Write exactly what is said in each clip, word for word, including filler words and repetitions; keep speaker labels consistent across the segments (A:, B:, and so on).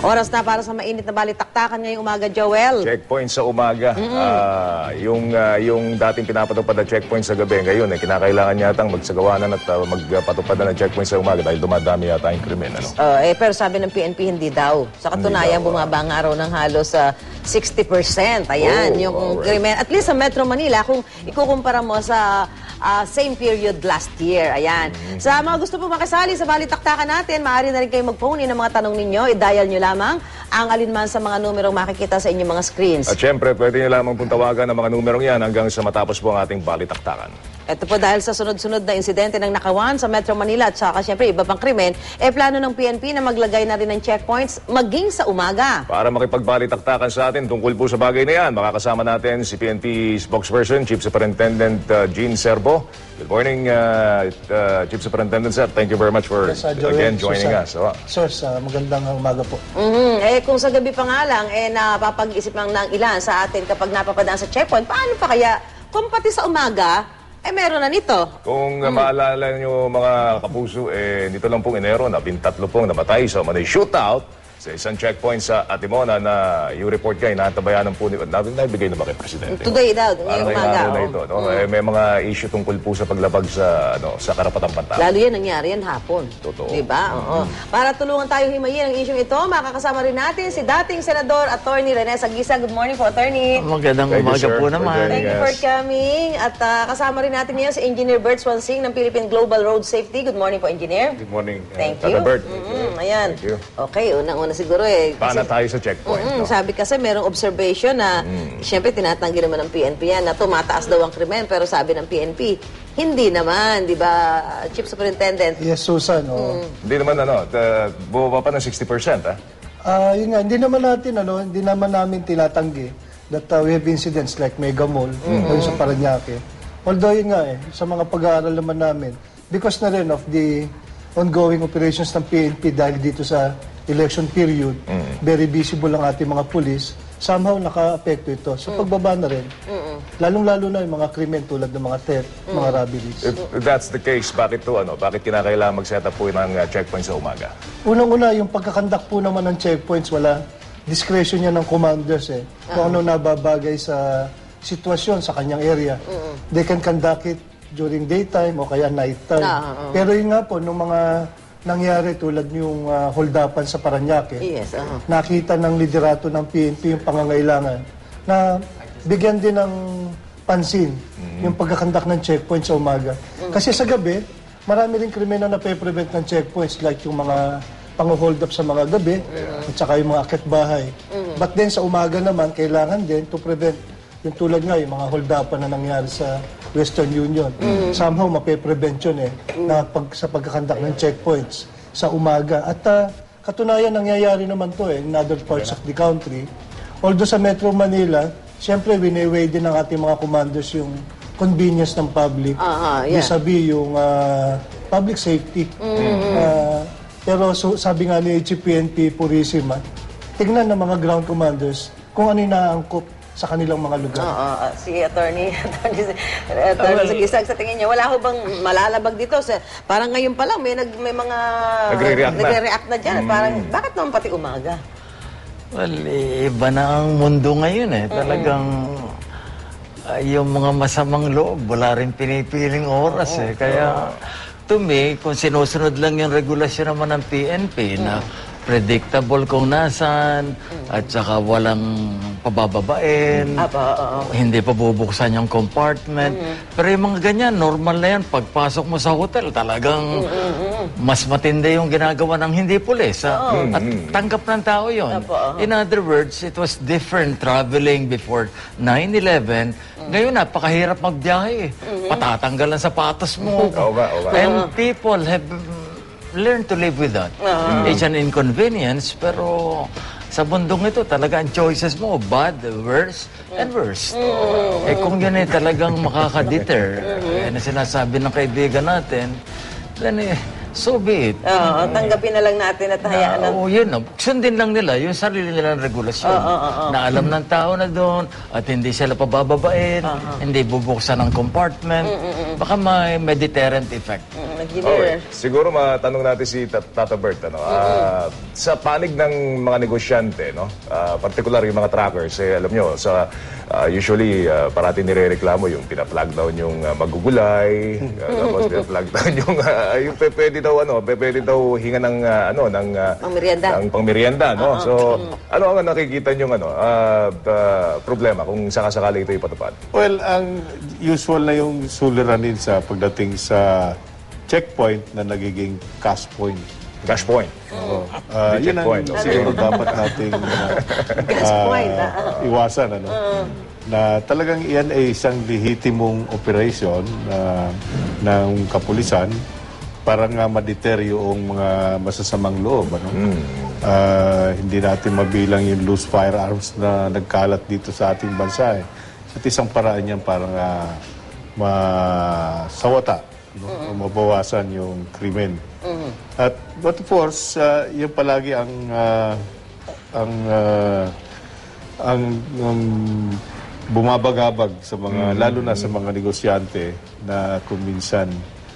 A: Oras na para sa mainit na balitaktakan ngayong umaga, Joel.
B: Checkpoint sa umaga. Mm-hmm. uh, yung, uh, yung dating pinapatupad na checkpoint sa gabi, ngayon eh, kinakailangan yatang magsagawanan at uh, magpatupad na ng checkpoint sa umaga dahil dumadami yata yung krimen. Ano?
A: Uh, eh, pero sabi ng P N P, hindi daw. Sa katunayan, daw, bumaba ang araw ng halos sa uh, sixty percent. Ayan, oh, yung right. krimen. At least sa Metro Manila, kung ikukumpara mo sa uh, same period last year. Ayan. Mm-hmm. Sa mga gusto po makisali sa balitaktakan natin, maaari na rin kayo mag-phone in ang mga tanong ninyo. I-dial nyo lamang ang alinman sa mga numerong makikita sa inyong mga screens.
B: At syempre, pwede nyo lamang pong tawagan ang mga numerong yan hanggang sa matapos po ang ating balitaktakan.
A: Ito po dahil sa sunod-sunod na insidente ng nakawan sa Metro Manila at saka syempre iba pang krimen, eh plano ng P N P na maglagay na rin ng checkpoints maging sa umaga.
B: Para makipagbalitaktakan sa atin tungkol po sa bagay na yan, makakasama natin si P N P spokesperson, Chief Superintendent uh, Gene Serbo. Good morning, uh, uh, Chief Superintendent sir. Thank you very much for yes, uh, again joining Susan. us. So, uh,
C: sir, sa magandang umaga po.
A: Mm-hmm. Eh kung sa gabi pa nga lang, eh napapag-isip lang ng ilan sa atin kapag napapadaan sa checkpoint, paano pa kaya kung pati sa umaga, eh, meron na nito.
B: Kung hmm. maalala nyo mga kapuso, eh, dito lang pong Enero, nabintatlo pong namatay sa Manay shootout sa isang checkpoint sa Atimona na yung report kayo, natabayanan po ni... Nabigay na ba kay Presidente?
A: Today daw, ngayong umaga.
B: Na ito, no? hmm. eh, may mga issue tungkol po sa paglabag sa, ano, sa karapatang pantao.
A: Lalo yan, nangyari yan hapon.
B: Totoo.
A: Diba? Hmm. Oo. Para tulungan tayo himayin ang issue ito, makakasama rin natin si dating Senador Attorney Rene Saguisa. Good morning po, Attorney.
D: Magandang umaga po naman.
A: Thank you for coming. At uh, kasama rin natin ngayon si Engineer Bert Swansing ng Philippine Global Road Safety. Good morning po, Engineer.
B: Good morning. Uh,
A: Thank you.
B: Bert.
A: Mm-hmm. Ayan.
B: Thank you.
A: Okay, unang-una siguro eh.
B: Paano tayo sa checkpoint?
A: Mm-hmm.
B: No?
A: Sabi kasi merong observation na mm. siyempre tinatanggi naman ng P N P yan na tumataas daw ang krimen, pero sabi ng P N P, hindi naman, di ba, Chief Superintendent?
C: Yes, Susan. Oh.
B: Mm. Hindi naman, ano, uh, bumaba pa ng sixty percent, ah?
C: Uh, yun nga, hindi naman natin, ano, hindi naman namin tinatanggi that uh, we have incidents like Mega Mall, mm-hmm. o sa Parañaque. Although yun nga eh, sa mga pag-aaral naman namin, because na rin of the ongoing operations ng P N P dahil dito sa election period, mm. very visible ang ating mga pulis, somehow naka-apekto ito. So mm. pagbaba na rin, mm-mm. lalong-lalo na yung mga krimen tulad ng mga theft, mm. mga robberies.
B: If that's the case, bakit to, ano? Bakit kinakailangan mag-set up po ng uh, checkpoint sa umaga?
C: Unang-una, yung pagkakandak po naman ng checkpoints, wala discretion niya ng commanders eh. Kung uh-huh. ano nababagay sa sitwasyon sa kanyang area. Mm-mm. They can conduct it during daytime o kaya nighttime. Uh-huh. Pero yun nga po, nung mga nangyari tulad yung uh, holdapan sa Parañaque,
A: yes, uh-huh.
C: nakita ng liderato ng P N P yung pangangailangan na bigyan din ng pansin mm-hmm. yung pagkakandak ng checkpoint sa umaga. Mm-hmm. Kasi sa gabi, marami rin krimen na nape-prevent ng checkpoints like yung mga pang-hold up sa mga gabi mm-hmm. at saka yung mga akit-bahay. Mm-hmm. But then sa umaga naman, kailangan din to prevent yung tulad nga yung mga holdapan na nangyari sa Western Union. Mm-hmm. Somehow, mape-prevent yun eh, mm-hmm. na pag, sa pagkakandak ng checkpoints sa umaga. At uh, katunayan, nangyayari naman to eh, in other parts of the country. Although sa Metro Manila, siyempre, wini-weigh din ng ating mga commanders yung convenience ng public.
A: Uh-huh, yeah.
C: Vis-a-vis yung uh, public safety. Mm-hmm. uh, pero so, sabi nga ni H P N P Purisima, tignan ng mga ground commanders kung ano yung naangkop sa kanilang mga lugar.
A: Oo, uh, si Attorney, Attorney, Attorney well, Sagisag, sa tingin niya, wala ho bang malalabag dito? Sa, parang ngayon pa lang, may, nag, may mga
B: nagre-react na,
A: nagre-react na dyan. Mm. Parang, bakit naman pati umaga?
D: Well, iba na ang mundo ngayon eh. Talagang uh, yung mga masamang loob, wala rin pinipiling oras oh, eh. Kaya, to me, kung sinusunod lang yung regulasyon naman ng P N P mm. na predictable kung nasan, mm. at saka walang pabababain,
A: Apa, uh, uh.
D: hindi pa bubuksan yung compartment. Mm-hmm. Pero yung mga ganyan, normal na yan. Pagpasok mo sa hotel, talagang mm-hmm. mas matindi yung ginagawa ng hindi pulis. Uh, mm-hmm. At tanggap ng tao yun. Apa, uh. In other words, it was different traveling before nine eleven. Mm-hmm. Ngayon, napakahirap magbiyahe. Mm-hmm. Patatanggal ang sapatos mo.
B: Oba, oba.
D: And people have learned to live with that. Uh-huh. It's an inconvenience, pero sa bundong ito, talaga ang choices mo, bad, worse, and worst. Mm-hmm. Eh kung yun eh talagang makaka-deter, mm-hmm. eh, na sinasabi ng kaibigan natin, then eh, so be it.
A: Oo, tanggapin na lang natin at hayaan na.
D: Oo, yun. no. Sundin lang nila yung sarili nilang regulasyon. Na alam ng tao na doon at hindi sila pabababain, hindi bubuksan ng compartment. Baka may, may deterrent effect.
A: Mm,
B: Okay. Siguro matanong natin si Tat- Tata Bert, ano, ah, sa panig ng mga negosyante, no, ah, particular yung mga trackers, eh, alam nyo, sa, ah, usually, ah, parati nirereklamo yung pina-plug down yung ah, magugulay, ah, tapos pina-plug down yung, ah, yung pe- pwede daw, ano, pe- pwede daw hinga ng, ah, ano, ng, ah,
A: Pangmerienda.
B: ng pangmerienda, no? So, ano ang nakikita nyo, ano, ah, ah, problema kung sakasakali ito ipatupad?
E: Well, ang usual na yung suliranin sa pagdating sa checkpoint na nagiging cash point.
B: Cash point.
E: Oo. Ah,
B: Hindi
E: yun ang
B: checkpoint, no?
E: siguro dapat nating uh,
A: Gas point, ah.
E: iwasan. Ano? Na talagang iyan ay isang lehitimong operation na ng kapulisan para nga ma-deter yung mga masasamang loob. Ano? Ah, hindi natin mabilang yung loose firearms na nagkalat dito sa ating bansa. Eh. At isang paraan yan para nga masawata, no? O mabawasan yung krimen. At but of course, uh, yun palagi ang ah, ang ah, ang, ang bumabagabag sa mga lalo na sa mga negosyante na kung minsan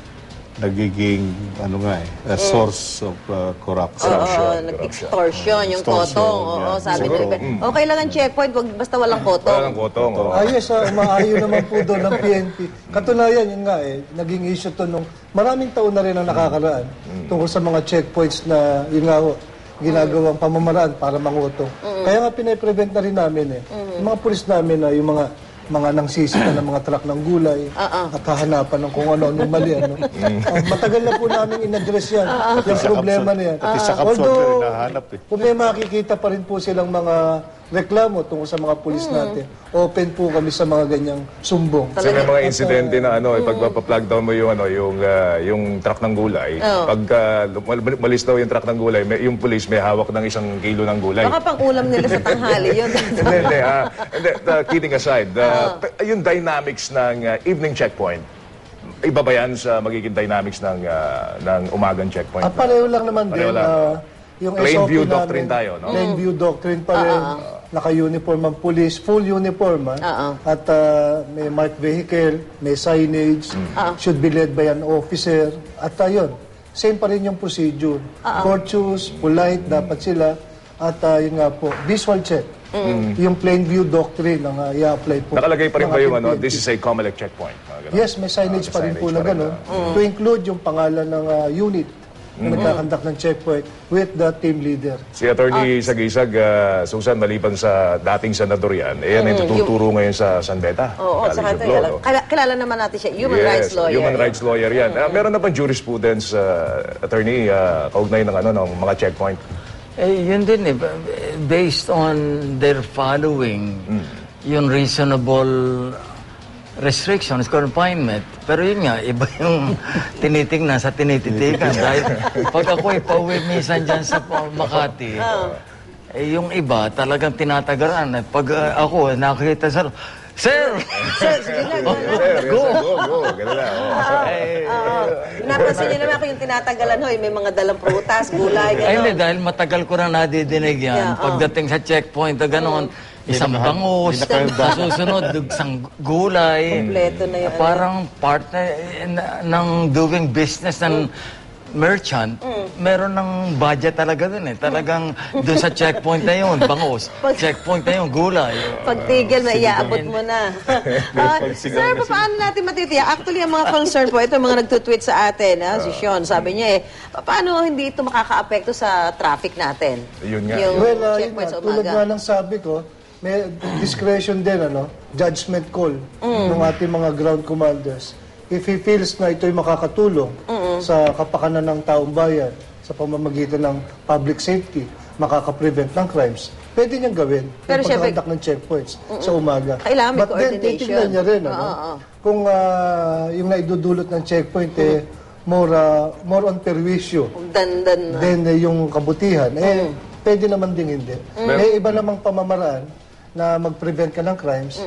E: nagiging ano nga eh, a source of uh, corruption.
A: Oo, nag-extortion yung
E: Extortion,
A: kotong. Oo,
E: yeah.
A: sabi
B: Siguro,
A: nila. Okay lang ang checkpoint, wag basta walang kotong.
B: Wala ng kotong. oh.
C: Ayos, ah, umaayo naman po doon ng P N P. Katunayan, yun nga eh, naging issue to nung maraming taon na rin ang nakakaraan tungkol sa mga checkpoints na, yun nga ho, ginagawang pamamaraan para mangutong. Kaya nga pinaprevent na rin namin eh. Yung mga pulis namin na yung mga mga nangsisita ng mga truck ng gulay at hahanapan ng kung ano yung mali. Ano. Ah, matagal na po namin in-address yan. Yung problema na yan.
E: Pati sa kapsol, hinahanap eh.
C: Kung may makikita pa rin po silang mga reklamo tungkol sa mga pulis natin, open po kami sa mga ganyang sumbong.
B: Kasi may mga insidente na ano, eh, pag pa-plug down mo yung ano, yung ah, yung truck ng gulay, pag ah, mal- malis daw yung truck ng gulay, may, yung police may hawak ng isang kilo ng gulay.
A: Baka pang ulam nila sa tanghali yun.
B: Hindi, hindi. ah, hindi, uh, kidding aside, uh, pe- yung dynamics ng uh, evening checkpoint, iba ba yan sa magiging dynamics ng uh, ng umagang checkpoint?
C: Ah, pareho lang naman
B: Pareho
C: din.
B: lang.
C: ah, yung
B: Plain
C: S O P
B: view
C: namin,
B: doctrine tayo, no?
C: Plain view doctrine pa rin. Naka-uniform ang police, full uniform. ah.
A: Oo.
C: At ah, may marked vehicle, may signage, should be led by an officer. At ayun, same pa rin yung procedure. Courteous, polite, dapat sila. At ah, yun nga po, visual check. Yung plain view doctrine ang uh, i-apply po.
B: Nakalagay pa rin
C: ng
B: ba yung
C: ating
B: ano,
C: P N P.
B: this is a COMELEC checkpoint? Mga ganun.
C: Yes, may signage
B: Ah,
C: pa rin
B: may
C: po na
B: signage pa rin,
C: gano'n. To include yung pangalan ng ah, unit na nagkakandak ng checkpoint with the team leader.
B: Si Attorney Sagisag, uh, Susan, maliban sa dating senador yan, eh, yan ay tututuro ngayon sa San Beta.
A: Oo,
B: College
A: saka
B: of
A: ito,
B: Law,
A: kilala,
B: no?
A: kilala- kilala naman natin siya. Human
B: Yes,
A: rights lawyer.
B: Human rights lawyer yan. Ah, meron na bang jurisprudence, uh, attorney, uh, kaugnay ng, ano, ng mga checkpoint?
D: Eh, yun din eh. Based on their following, yung reasonable restrictions, confinement. Pero yun nga, iba yung tinitingnan sa tinititigan. Dahil pag ako'y pauwi minsan dyan sa Makati, eh, yung iba talagang tinatagaran. Eh, Pag ah, ako, nakikita sa... Sir!
A: Sir, sige lang.
B: Sir, yes,
D: Go.
B: sir, go, go. Ganun na. oh.
D: Eh,
A: Oo. Napansin niyo naman ako yung tinatanggalan, hoy, may mga dalang prutas, gulay,
D: Ay, hindi,
A: gano'n.
D: dahil matagal ko na nadidinig yan.
A: Yeah, oh.
D: Pagdating sa checkpoint, gano'n, isang bangus, sa susunod, isang gulay.
A: Kompleto na yun.
D: Parang part na, na- ng doing business ng merchant, meron ng budget talaga dun eh. Talagang doon sa checkpoint na yun, bangus.
A: Pag-
D: Checkpoint na yun, gulay.
A: Pagtigil na, iaabot mo na. Ah, sir, paano natin matitiyak? Actually, ang mga concern po, ito yung mga nagtutweet sa atin, ha? Si Sean, sabi niya eh, pa- paano hindi ito makaka-apekto sa traffic natin?
B: Yun nga.
A: Yung
C: Well, uh, yun
A: checkpoint
C: nga,
A: sa
C: tulad
A: umaga.
C: nga ng sabi ko, may discretion din, ano, judgment call ng ating mga ground commanders. If he feels na ito'y makakatulong sa kapakanan ng taong bayan, sa pamamagitan ng public safety, makaka-prevent ng crimes, pwede niyang gawin
A: Pero
C: yung
A: syempre-
C: pagkakandak ng checkpoints sa umaga.
A: Kailangan may
C: But then,
A: coordination.
C: titignan niya rin, ano,
A: Oo, oo.
C: kung ah, yung naidudulot ng checkpoint, eh, more, ah, more on perwisyo
A: Dan-dan.
C: then eh, yung kabutihan, eh, pwede naman ding hindi. May iba namang pamamaraan na mag-prevent ka ng crimes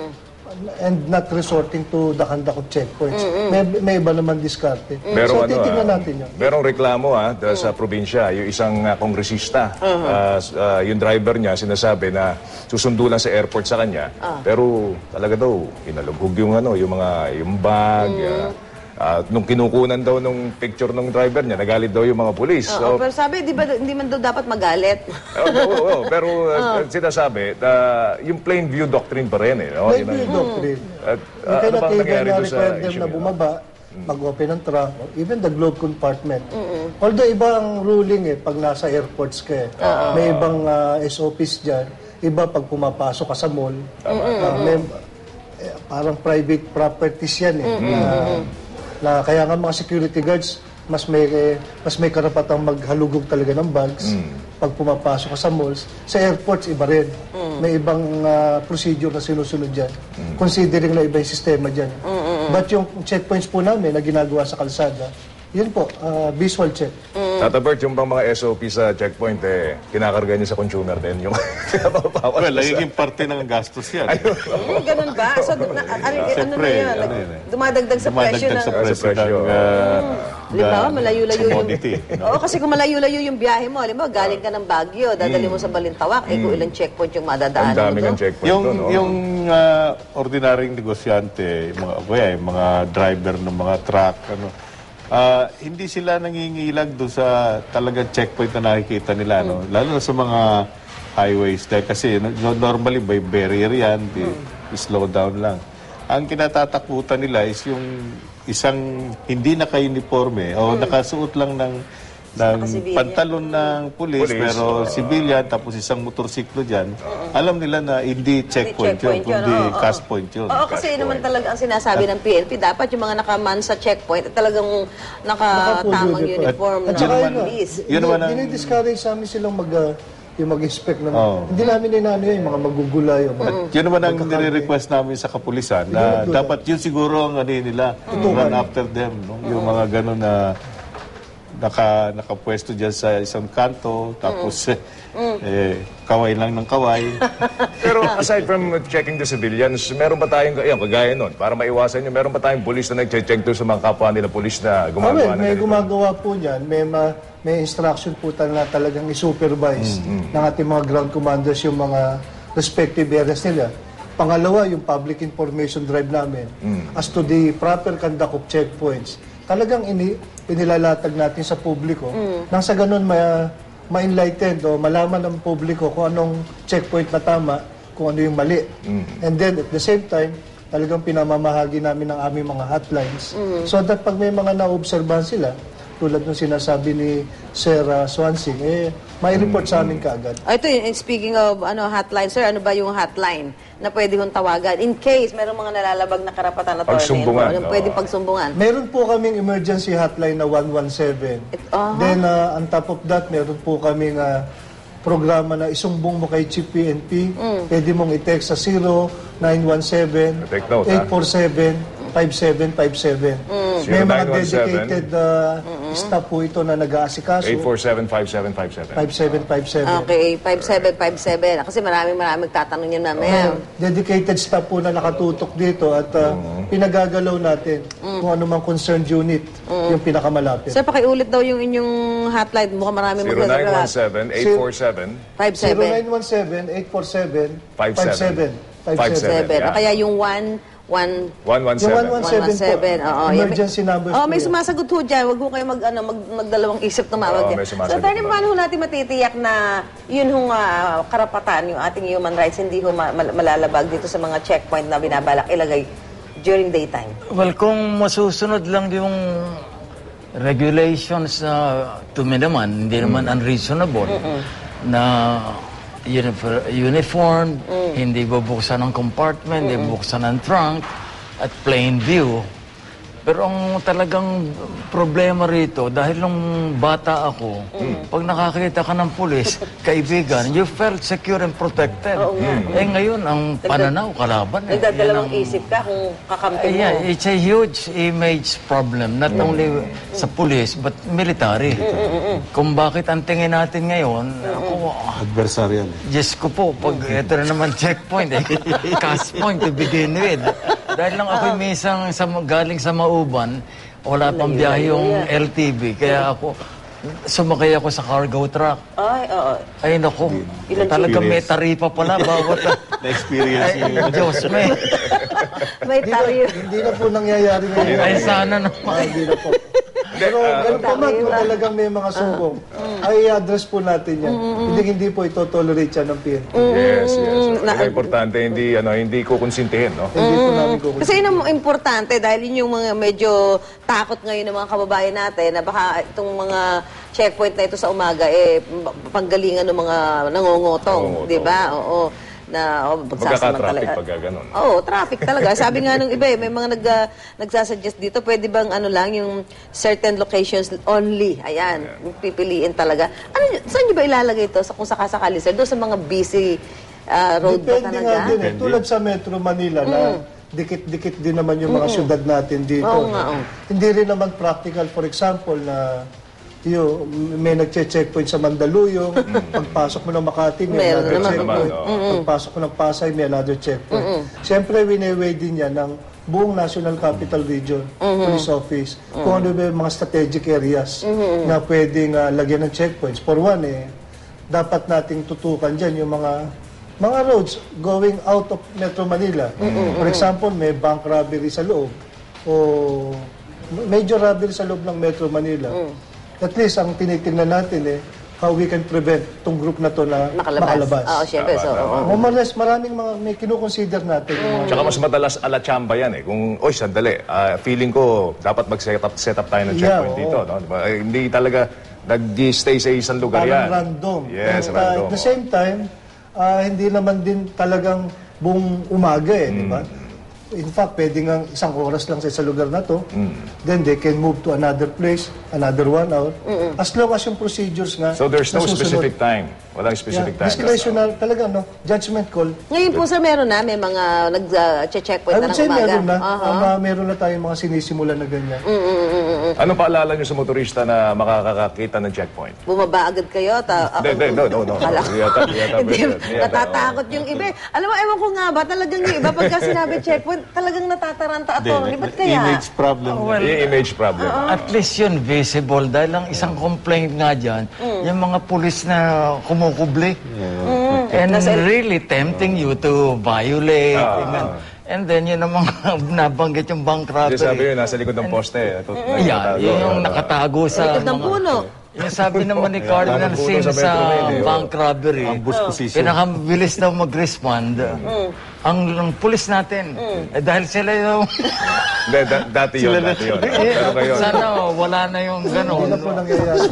C: and not resorting to the conduct of checkpoints. May, may iba naman diskarte.
B: Merong
C: so,
B: ano,
C: titingnan
B: ah,
C: natin yun.
B: merong reklamo ah, da- sa probinsya, yung isang ah, kongresista, ah, s- ah, yung driver niya sinasabi na susundo lang sa airport sa kanya, pero talaga daw inalugog yung ano, yung mga yung bag, ah, ah, nung kinukunan daw nung picture ng driver niya, nagalit daw yung mga pulis.
A: Oo, pero sabi, di ba, hindi man daw dapat magalit.
B: Oo, oo, oo, pero uh, sinasabi, uh, yung plain view doctrine pa rin eh. No?
C: Plain
B: Yun ang-
C: view doctrine.
B: At,
C: Yung
B: uh, ano bang
C: kailangan
B: nangyari
C: na
B: doon sa
C: require them
B: issue
C: na
B: yun?
C: bumaba, mag-open ng trunk, even the glove compartment. Although iba ang ruling eh, pag nasa airports ka eh. May ibang uh, S O Ps dyan. Iba pag pumapasok ka sa mall. Uh, may, eh, parang private properties yan eh. Na, na kaya nga mga security guards, mas may eh, mas may karapatang maghalugog talaga ng bags pag pumapasok ka sa malls. Sa airports, iba rin. May ibang ah, procedure na sinusunod dyan. Considering na iba yung sistema dyan. But yung checkpoints po namin na ginagawa sa kalsada, yun po, ah, visual check.
B: Tata Bert, yung bang mga S O P sa checkpoint, eh, kinakarga niya sa consumer din. Yung pinapapawas
E: Well,
B: sa-
E: nagiging parte ng gastos yan.
A: Hmm, ganun ba? So, na, ano, ano na
E: Siyempre,
A: yun?
E: ano
A: Nag-
E: yun eh.
A: Dumadagdag sa presyo
E: Dumadagdag
A: ng...
E: sa presyo
B: presyo.
E: ng uh,
A: Halimbawa, malayo-layo yung...
E: commodity.
A: Oo, kasi kung malayo-layo yung biyahe mo, halimbawa, galing ka ng Baguio, dadali mo sa Balintawak, eh kung ilang checkpoint yung
B: Ang
A: madadaanan mo
B: daming ang
A: doon.
B: checkpoint
E: Yung
B: doon. no?
E: yung uh, ordinaryong negosyante, yung mga kuya, yung mga driver ng mga truck, ano, ah, hindi sila nangingilag doon sa talagang checkpoint na nakikita nila, no? Lalo na sa mga highways dahil kasi no- normally by barrier yan, di, slow down lang. Ang kinatatakutan nila is yung isang hindi naka-uniforme o nakasuot lang ng ng
A: Naka-civilian.
E: pantalon ng pulis,
B: Pulis,
E: pero civilian, tapos isang motorsiklo dyan, alam nila na hindi checkpoint,
A: checkpoint
E: yun,
A: yun,
E: kundi
A: oo, oo.
E: cash point yun.
A: Oo, kasi yun naman talaga ang sinasabi ng P N P. Dapat yung mga nakaman sa checkpoint, at talagang nakatamang
C: Naka-full
A: uniform
C: At
A: na
C: saka yun,
A: police.
E: Yun naman ang-
C: dinidiscourage sa amin silang mag, ah, yung mag-inspect ng...
E: Oo.
C: Hindi namin inano yun, yung mga magugulay. Yung mga,
E: Yun naman ang nire-request namin sa kapulisan na
C: Yun,
E: dapat yun siguro ang ano yun nila, run after them. No? Yung mga gano'n na naka, nakapwesto dyan sa isang kanto, tapos eh, kaway lang ng kaway.
B: Pero aside from checking the civilians, meron ba tayong, yan, kagaya nun, para maiwasan nyo, meron ba tayong pulis na nag-check doon sa mga kapwa nila pulis na
C: Ah,
B: gumagawa
C: well,
B: ng
C: may
B: ganito?
C: gumagawa po niyan, may, ma, may instruction po tal- na talagang i-supervise ng ating mga ground commanders yung mga respective areas nila. Pangalawa, yung public information drive namin as to the proper conduct of checkpoints. Talagang ini, inilalatag natin sa publiko nang sa ganun ma, ma-enlightened o malaman ng publiko kung anong checkpoint na tama, kung ano yung mali. And then at the same time, talagang pinamamahagi namin ng aming mga hotlines. So that pag may mga na-obserbahan sila, tulad ng sinasabi ni Sir uh, Swansing, eh, may report sa amin kaagad.
A: Ah, ito, yun, speaking of ano hotline, sir, ano ba yung hotline na pwede kong tawagan? In case merong mga nalalabag na karapatan na
B: Pagsumbungan,
A: Ano,
B: oo.
A: pwedeng pagsumbungan?
C: Meron po kaming emergency hotline na one one seven.
A: aha.
C: Then, uh, on top of that, meron po kaming uh, programa na isumbong mo kay Chief P N P. Pwede mong i-text sa zero nine one seven,
B: Take note,
C: eight four seven, five seven five seven. May mga dedicated uh, staff po ito na nag-aasikaso.
B: eight four seven, five seven five seven.
C: five seven five seven.
A: Okay, five seven five seven. Kasi maraming maraming magtatanong yan mamaya.
C: Dedicated staff po na nakatutok dito at uh, pinagagalaw natin kung ano mang concerned unit yung pinakamalapit.
A: Sir, pakiulit daw yung inyong hotline. Mukhang maraming
B: zero nine one
A: magdadala.
B: seven, eight four seven,
A: five
C: zero
A: seven
C: nine one seven, eight four seven,
B: five
C: five
B: seven.
C: seven. five seven.
A: seven.
B: Yeah.
A: O kaya yung one, one,
B: one one
C: Yung
B: seven.
C: one one seven
A: one one seven.
C: po.
A: Oo,
C: Emergency
A: yan.
C: numbers
A: Oh,
C: po
A: may
C: yan.
A: sumasagot ho dyan. Huwag ho kayo mag, ano, mag, magdalawang isip tumawag
B: Oo,
A: yan.
B: may
A: So,
B: sumasagot
A: attorney,
B: naman.
A: paano ho natin matitiyak na yun hong ah, karapatan, yung ating human rights, hindi ho ma- mal- malalabag dito sa mga checkpoint na binabalak ilagay during daytime?
D: Well, kung masusunod lang yung regulations na to me naman, hindi naman unreasonable, na unifor- uniform, hindi bubuksan ng compartment, hindi bubuksan ng trunk, at plain view, Pero ang talagang problema rito, dahil nung bata ako, pag nakakita ka ng pulis, kaibigan, you felt secure and protected. Eh ngayon, ang pananaw, kalaban. Eh.
A: Nagdadalawang
D: Yan ang-
A: isip ka kung kakampi
D: Eh,
A: mo.
D: yeah, it's a huge image problem, not only sa pulis, but military. Kung bakit ang tingin natin ngayon, ako,
E: Adversarial.
D: Diyos ko po, pag ito na naman checkpoint, eh, cast point to begin with. Dahil lang ako'y minsan sa, galing sa Mauban, wala pang biyahe yung L T V, kaya ako, sumakay ako sa cargo truck.
A: Ay, oo.
D: Ay, naku,
A: Ilang
D: talaga may taripa pala bawat...
E: Na-experience
D: Ay, Diyos, may...
A: May tayo.
C: Hindi na po nangyayari ngayon.
D: Ay, sana
C: Ah,
D: naman.
C: hindi na po. Pero ganun pa man, kung talagang may mga sumbong, ay address po natin yan. Hindi hindi po ito tolerate yan ng P N P.
B: Yes, yes. Ang importante, hindi, ano, hindi ko konsintihin, no?
C: Hindi po namin kukunin.
A: Kasi yun ang importante dahil yun yung mga medyo takot ngayon ng mga kababayan natin na baka itong mga checkpoint na ito sa umaga eh panggalingan ng mga nangongotong,
B: Nangongotong.
A: di ba? Oo. Na oh,
B: Magkaka-traffic
A: pagsasamantala-
B: pagka ganun.
A: Oo, traffic talaga. Sabi nga nung iba, eh, may mga nag, uh, nagsasuggest dito, pwede bang ano lang, yung certain locations only. Ayan, pipiliin talaga. Ano, yun? Saan nyo ba ilalagay ito sa, kung sakasakali, sir? Doon sa mga busy uh, road ba
C: Depende
A: talaga?
C: nga din eh. Tulad sa Metro Manila na dikit-dikit din naman yung mga syudad natin dito.
A: Oo nga, oo.
C: Hindi rin naman practical, for example, na yo, may nagche-checkpoint sa Mandaluyong, pagpasok mo ng Makati, may
A: Meron
C: another
A: naman.
C: checkpoint.
B: Naman,
C: Pagpasok mo ng Pasay, may another checkpoint. Siyempre, wineway din yan ng buong National Capital Region Police Office kung ano ba yung mga strategic areas na pwedeng ah, lagyan ng checkpoints. For one, eh, dapat nating tutukan dyan yung mga mga roads going out of Metro Manila. For example, may bank robbery sa loob o major robbery sa loob ng Metro Manila. At least, ang tinitingnan natin eh, how we can prevent itong group na to na
A: Makalabas.
C: makalabas.
A: Oo, syempre. So, oo.
C: O malas, maraming mga may kinukonsider natin. yung mga-
B: Tsaka mas madalas ala chamba yan eh. Kung, oy, sandali, ah, feeling ko dapat mag-set up, set up tayo ng
C: Yeah,
B: checkpoint
C: oo.
B: dito. No? Diba? Eh, hindi talaga nag-stay sa isang lugar
C: Parang
B: yan.
C: random.
B: Yes,
C: At, uh,
B: random.
C: At the same time, ah, hindi naman din talagang buong umaga eh, di
B: Mm.
C: ba? In fact, pwede nga isang oras lang sa isang lugar na to.
B: Mm.
C: Then they can move to another place, another one hour. As long as yung procedures nga
B: So there's no
C: nasusunod.
B: specific time. Walang specific
C: Yeah,
B: time.
C: discretional, talaga, no? Judgment call.
A: Ngayon po, sir, meron na, may mga nag-checkpoint
C: I
A: na
C: would
A: ng
C: say
A: umaga.
C: meron na.
A: Aha.
C: Um, uh, meron na tayong mga sinisimulan na ganyan.
B: Anong paalala nyo sa motorista na makakakita ng checkpoint?
A: Bumaba agad kayo. Ta,
B: Hindi, hindi, no, no, no.
A: Kala ko.
B: Yata, yata,
A: Hindi,
B: yata, yata,
A: natatakot yung iba. Alam mo, ewan ko nga ba, talagang yung iba, pagka sinabi checkpoint, talagang natataranta ato. Di ba't kaya?
E: Image problem.
B: oh. Yung image problem.
D: At least yun visible dahil ang isang complaint nga dyan, yung mga pulis na kumukubli. And really tempting you to violate. Ganun. And then yun ang mga nabanggit yung bank
B: Kasi sabi
D: robbery.
B: yun, nasa likod ng poste. Tut-
D: Yan,
B: nakatago.
D: yun yung nakatago sa
A: Likod ng
D: mga-
A: puno.
D: Yung sabi naman ni Cardinal
B: parang puno
D: Sin
B: sa
D: sa
B: Metro Manila, oh.
D: bank robbery,
E: Ambush position.
D: pinakabilis daw mag-respond. Ang, ang pulis natin, eh, dahil sila yung...
B: Hindi, da- dati yun, dati yun. Pero ngayon,
D: Sana wala na yung gano'n.
C: Ano po nangyayari?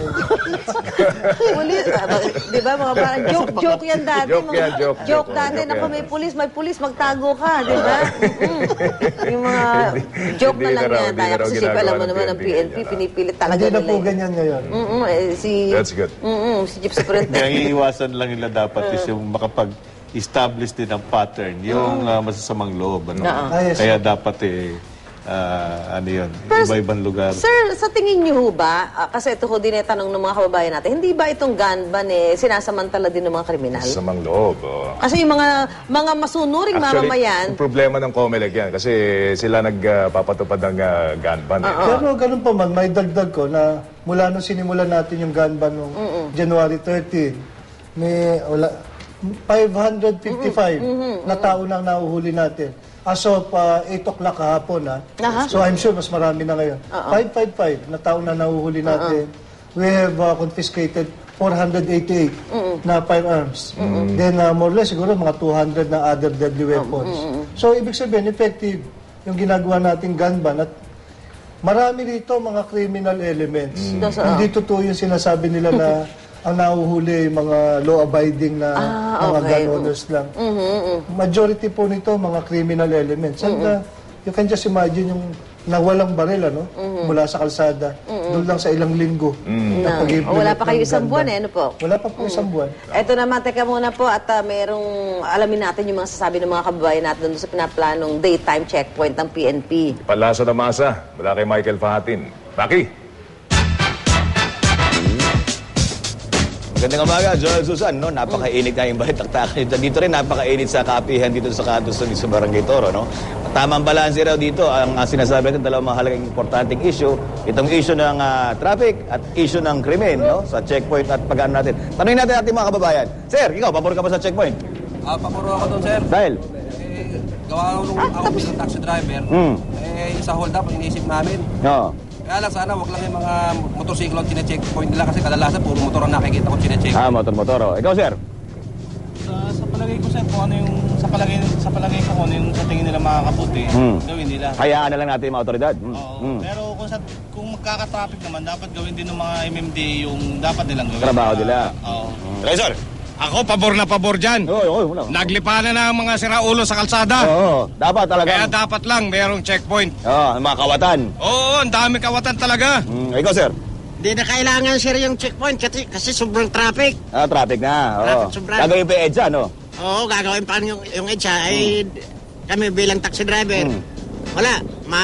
A: Pulis, ah, ba- di ba mga parang joke, joke yan dati.
B: Joke
A: mga,
B: yan, joke,
A: joke
B: joke,
A: dati.
B: joke
A: Naku,
B: yan.
A: may pulis, may pulis, magtago ka, di ba? Mm-mm. Yung mga joke
B: hindi
A: na lang
B: na raw,
A: yan
B: hindi
A: tayo.
B: na raw
A: Kasi siyempre,
B: ginagawa
A: alam mo
B: ng
A: naman, ang
B: P
A: P
B: N
A: N
B: P
A: P,
B: yan.
A: pinipilit talaga
C: Hindi na
A: nila.
C: po
A: eh.
C: ganyan ngayon.
A: Mm-mm, eh, si...
B: that's good.
A: Mm-mm, si Jeep
E: Kaya
A: Superintendent.
E: iiwasan lang nila dapat is yung makapag-establish din ng pattern, yung ah, masasamang loob. Ano?
A: Oo.
C: Ah, yes.
E: Kaya dapat eh, ah, ano yun,
A: Pero,
E: iba-ibang lugar.
A: Sir, sa tingin niyo ho ba, ah, kasi ito ho din eh, tanong ng mga kababayan natin, hindi ba itong gun ban eh, sinasamantala din ng mga kriminal?
B: Sa mang loob. Oh.
A: Kasi yung mga mga masunuring mamamayan,
B: yung problema ng COMELEC yan kasi sila nagpapatupad ng uh, gun ban. Eh.
C: Pero ganun pa man, may dagdag ko na mula nung sinimulan natin yung gun ban noong January thirteenth, may wala, five hundred fifty-five na tao nang nahuhuli natin. As of uh, eight o'clock kahapon, ha?
A: Aha.
C: So I'm sure mas marami na ngayon. five fifty-five na tao na nahuhuli natin. We have uh, confiscated four hundred eighty-eight na firearms. Then uh, more or less siguro mga two hundred na other deadly weapons. So ibig sabihin, effective yung ginagawa nating gun ban at marami rito mga criminal elements.
A: Mm.
C: Hindi totoo yung sinasabi nila na ang nahuhuli yung mga law-abiding na
A: Ah,
C: mga
A: okay.
C: gun owners lang. Majority po nito mga criminal elements. And uh, you can just imagine yung na walang baril, ano? Mula sa kalsada. Doon lang sa ilang linggo. na
A: No.
C: pag-implement
A: O, wala pa kayo
C: ng
A: isang
C: ganda.
A: buwan eh, ano po?
C: Wala pa po isang buwan.
A: Eto naman, teka muna po at ah, merong alamin natin yung mga sasabi ng mga kababayan natin doon sa pinaplanong daytime checkpoint ng P N P.
B: Palasa na masa, mula kay Michael Fahatin. Baki!
F: Magandang umaga, Joel Susan. No? Napakainit nga yung balitaktakan. Dito rin napakainit sa kapihan dito sa Katos sa Barangay Toro. No? Tamang balanse raw dito ang uh, sinasabi natin dalawang mahalagang importanteng issue. Itong issue ng uh, traffic at issue ng krimen no? Sa checkpoint at pag-ano natin. Tanungin natin ating mga kababayan. Sir, ikaw, pabor ka ba sa checkpoint?
G: Ah, papuro ako doon, sir.
F: Dahil?
G: Eh, gawa nung ako bilang taxi driver,
F: Hmm.
G: eh, yung sa hold up, ang iniisip namin.
F: No.
G: Kaya lang sana, wag lang yung mga motorsiklo at chine-checkpoint nila kasi kadalasan puro motor ang nakikita ko chine-check.
F: Ah, motor-motor. Oh. Ikaw, sir?
H: Sa, sa palagay ko sir, kung ano yung sa palagay sa palagay ko kung ano yung sa tingin nila makakabuti,
F: Hmm.
H: gawin nila.
F: Hayaan na lang natin yung mga otoridad. Hmm.
H: Oo.
F: Hmm.
H: Pero kung sa kung magkaka-traffic naman, dapat gawin din ng mga M M D yung dapat nilang gawin.
F: Trabaho nila.
H: Oo.
F: Okay, sir?
I: Ako, pabor na pabor dyan.
F: Oo, oo, wala.
I: Naglipanan na ang mga siraulo sa kalsada.
F: Oo, dapat talaga.
I: Kaya dapat lang merong checkpoint.
F: Oo, ang mga kawatan.
I: Oo, ang dami kawatan talaga.
F: Hmm. Ikaw, sir?
J: Hindi na kailangan sir yung checkpoint kasi, kasi sobrang traffic.
F: Ah, traffic na. Oo.
J: Traffic, sobra.
F: Gagawin pa yung EDSA, no?
J: Oo, gagawin pa yung, yung EDSA ay kami bilang taxi driver.
F: Hmm.
J: Wala, ma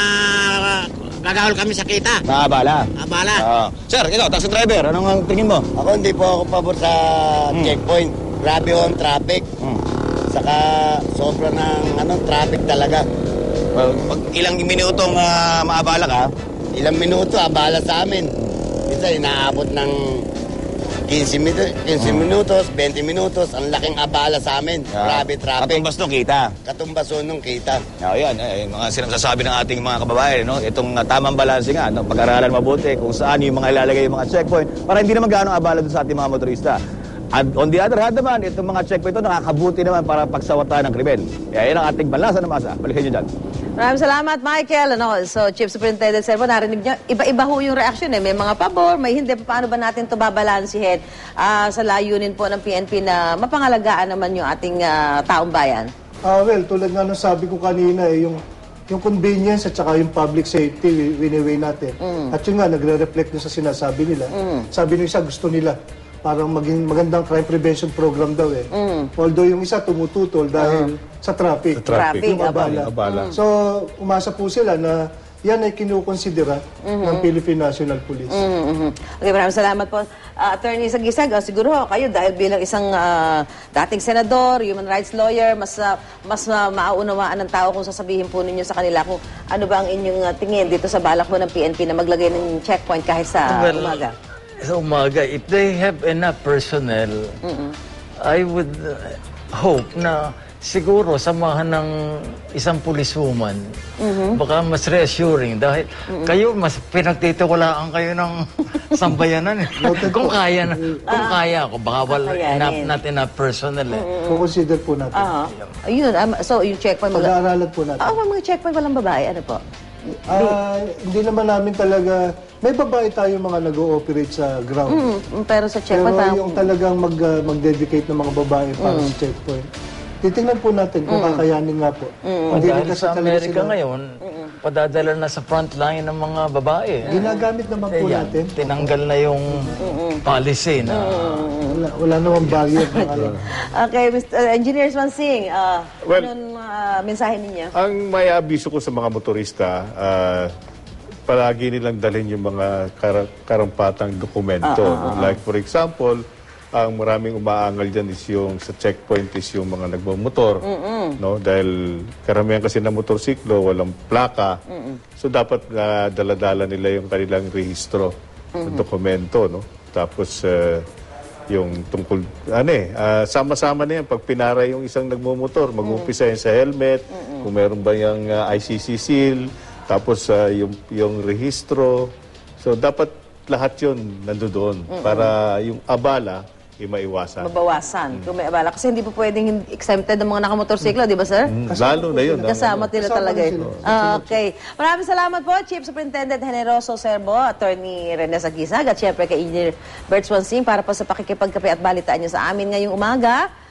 J: gagawal kami sa kita.
F: Nakabala.
J: Abala.
F: Oo. Sir, ikaw, taxi driver, anong ang tingin mo?
K: Ako hindi po ako pabor sa checkpoint. Grabe ho ang traffic.
F: Hmm.
K: Saka sobra ng ano, traffic talaga.
F: Well, pag ilang minutong uh, maabala ka,
K: Ilang minuto, abala sa amin. Minsan inaabot ng fifteen minutos, fifteen minutos, twenty minutos. Ang laking abala sa amin. Grabe traffic.
F: katumbas nung kita.
K: Katumbason nung kita.
F: O yan, eh, mga sinasabi ng ating mga kababayan, no? Itong uh, tamang balanse nga, no? Pag-aralan mabuti kung saan yung mga ilalagay yung mga checkpoint para hindi naman gaano abala dun sa ating mga motorista. At on the other hand naman, itong mga checkpoint ito nakakabuti naman para pagsawata ng krimen. Kaya yan ang ating balansa na masa. Balikan nyo dyan.
A: Maraming salamat, Michael. Ano, so, Chief Superintendent Servo, narinig niyo, iba-iba ho yung reaksyon eh. May mga pabor, may hindi. Paano ba natin ito babalansihin ah, sa layunin po ng P N P na mapangalagaan naman yung ating ah, taong bayan?
C: Ah, well, tulad nga nung sabi ko kanina, eh, yung, yung convenience at saka yung public safety, winiweigh natin. At yun nga, nagre-reflect dun sa sinasabi nila. Sabi nung isa, gusto nila parang maging magandang crime prevention program daw eh. Although yung isa tumututol dahil sa traffic.
E: Sa traffic.
A: Traffic,
C: Yung abala.
E: Abala.
C: So, umasa po sila na yan ay kinukonsidera ng Philippine National Police.
A: Mhm. Okay, maraming salamat po. Ah, Attorney Sagisag, ah, siguro ho, kayo dahil bilang isang ah, dating senador, human rights lawyer, mas ah, mas ah, maaunawaan ng tao kung sasabihin po ninyo sa kanila kung ano ba ang inyong ah, tingin dito sa balak po ng P N P na maglagay ng checkpoint kahit sa
D: Well,
A: umaga.
D: Sa umaga, if they have enough personnel, I would uh, hope na siguro samahan ng isang policewoman, baka mas reassuring dahil kayo mas pinagtitiwalaan kayo ng sambayanan eh. Kung kaya na, kung kaya ako, baka wala
A: Kakayanin.
D: enough, not enough personnel eh.
C: Kukonsider po natin.
A: Ah, ayun, um, so yung checkpoint mag-
C: Pag-aaralan po natin.
A: Ah, mga checkpoint walang babae, ano po?
C: Ah, hindi naman namin talaga, may babae tayo mga nag-ooperate sa ground.
A: Mm, pero sa
C: Pero
A: checkpoint parang
C: yung talagang mag, ah, mag-dedicate ng mga babae para sa checkpoint, titingnan po natin kung kakayanin nga po. Hindi rin
D: Dahil
C: kasi
D: sa
C: talaga
D: Amerika
C: sila-
D: ngayon, padadala na sa front line ng mga babae.
C: Ginagamit naman po
D: Eh, yan,
C: natin.
D: tinanggal na yung policy na
C: Wala, wala namang barrier ng ano.
A: Okay, Mister Engineer Swansing, ah,
E: Well,
A: anong ah, mensahe ninyo?
E: Ang may abiso ko sa mga motorista, ah, palagi nilang dalhin yung mga kar- karampatang dokumento. Like for example, ang maraming umaangal dyan is yung sa checkpoint is yung mga nagmamotor. No? Dahil karamihan kasi na motorsiklo, walang plaka. So dapat uh, daladala nila yung kanilang rehistro ng dokumento. No? Tapos uh, yung tungkol, ano eh, ah, sama-sama na yan. Pag pinara yung isang nagmumotor, mag-umpisa yan sa helmet, kung meron ba yung ah, I C C seal, tapos ah, yung, yung rehistro. So, dapat lahat yun nandoon para yung abala ay maiwasan.
A: Mabawasan kung may abala. Kasi hindi po pwedeng hindi exempted ng mga nakamotorsiklo, di ba, sir?
E: Lalo na yun.
A: Kasama nila
C: Kasama
A: talaga
C: na
A: yun.
C: sila.
A: Ah, okay. Maraming salamat po, Chief Superintendent Generoso Servo, Attorney Rene Sagisag, at syempre kay Engineer Bert Swansing para po sa pakikipagkape at balitaan niyo sa amin ngayong umaga.